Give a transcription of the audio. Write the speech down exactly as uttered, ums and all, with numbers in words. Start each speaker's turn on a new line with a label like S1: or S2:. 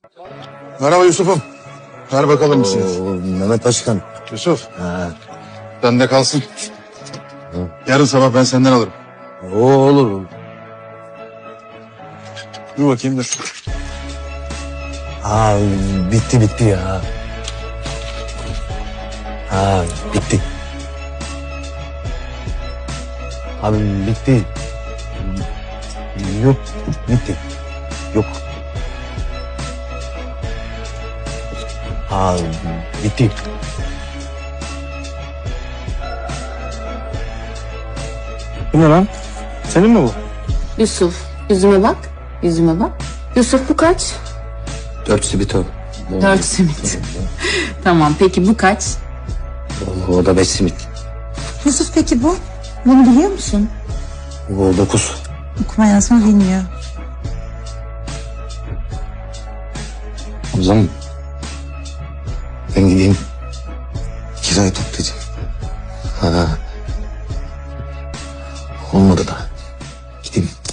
S1: Merhaba Yusuf'um. Ver bakalım bir şey.
S2: Oo, Mehmet Başkan.
S1: Yusuf,
S2: Ha.
S1: bende kalsın. Yarın sabah ben senden alırım.
S2: O olur.
S1: Dur bakayım dur.
S2: Ha bitti bitti ya. Ha bitti. Abi bitti. Yok bitti. Yok. Ha bitti.
S3: Bu ne lan? Senin mi bu?
S4: Yusuf, yüzüme bak. Yüzüme bak. Yusuf bu kaç?
S2: Dört simit o.
S4: Dört simit. Tamam, peki bu kaç?
S2: O, o da beş simit.
S5: Yusuf peki bu? Bunu biliyor musun?
S2: O dokuz.
S5: Okuma yazma bilmiyor.
S2: O zaman ben gideyim kirayı toplayacağım. Ha. Olmadı da. Gideyim